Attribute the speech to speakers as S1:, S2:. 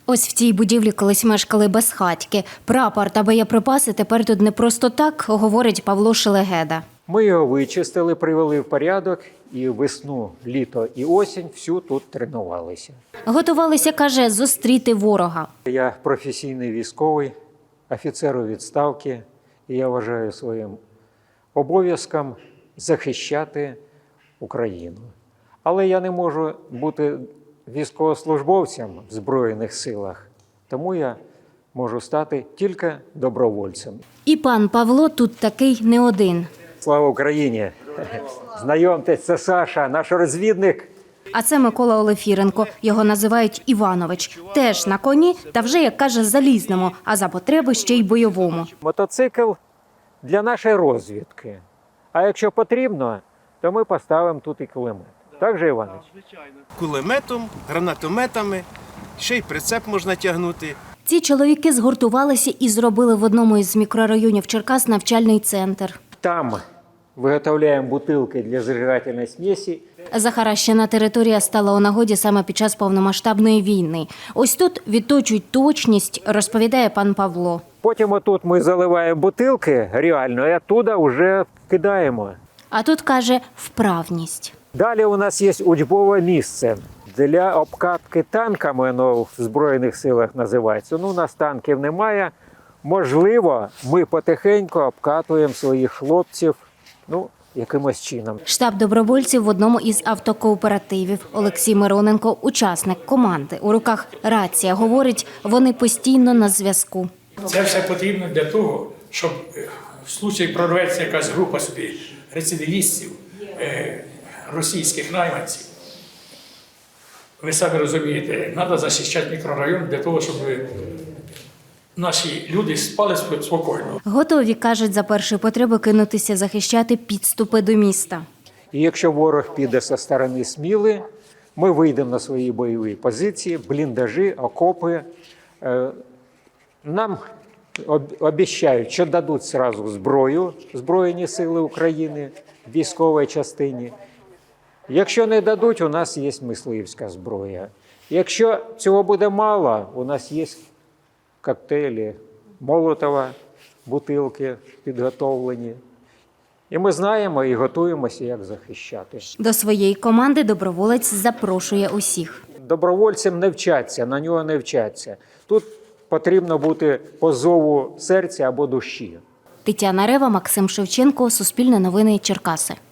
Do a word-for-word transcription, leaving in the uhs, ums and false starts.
S1: Ось в цій будівлі колись мешкали безхатьки. Прапор та боєприпаси тепер тут не просто так, говорить Павло Шелегеда.
S2: Ми його вичистили, привели в порядок і весну, літо і осінь всю тут тренувалися.
S1: Готувалися, каже, зустріти ворога.
S2: Я професійний військовий, офіцер у відставці, і я вважаю своїм обов'язком захищати Україну. Але я не можу бути військовослужбовцем в Збройних силах, тому я можу стати тільки добровольцем.
S1: І пан Павло тут такий не один.
S2: Слава Україні! Знайомтесь, це Саша, наш розвідник.
S1: А це Микола Олефіренко, його називають Іванович. Теж на коні та вже, як каже, залізному, а за потреби ще й бойовому.
S2: Мотоцикл для нашої розвідки. А якщо потрібно, то ми поставимо тут і кулемет. Так же, Іванович?
S3: Кулеметом, гранатометами, ще й прицеп можна тягнути.
S1: Ці чоловіки згуртувалися і зробили в одному із мікрорайонів Черкас навчальний центр.
S2: Там виготовляємо бутилки для зажигательної смесі.
S1: Захаращена територія стала у нагоді саме під час повномасштабної війни. Ось тут відточують точність, розповідає пан Павло.
S2: Потім отут ми заливаємо бутилки реально, і оттуда вже кидаємо.
S1: А тут, каже, вправність.
S2: Далі у нас є учбове місце для обкатки танками, воно в Збройних силах називається. Ну, у нас танків немає. Можливо, ми потихеньку обкатуємо своїх хлопців, ну, якимось чином.
S1: Штаб добровольців в одному із автокооперативів. Олексій Мироненко – учасник команди. У руках рація. Говорить, вони постійно на зв'язку.
S4: Це все потрібно для того, щоб в случаї прорветься якась група собі рецидивістів, російських найманців. Ви самі розумієте, треба захищати мікрорайон для того, щоб наші люди спали спокійно.
S1: Готові, кажуть, за першої потреби кинутися захищати підступи до міста.
S2: І якщо ворог піде зі сторони Сміли, ми вийдемо на свої бойові позиції, бліндажі, окопи. Нам обіцяють, що дадуть одразу зброю, Збройні сили України, військовій частині. Якщо не дадуть, у нас є мисливська зброя. Якщо цього буде мало, у нас є коктейлі Молотова, бутилки підготовлені. І ми знаємо і готуємося, як захищати.
S1: До своєї команди доброволець запрошує усіх.
S2: Добровольцям не вчаться, на нього не вчаться. Тут потрібно бути по зову серця або душі.
S1: Тетяна Рева, Максим Шевченко, Суспільне новини, Черкаси.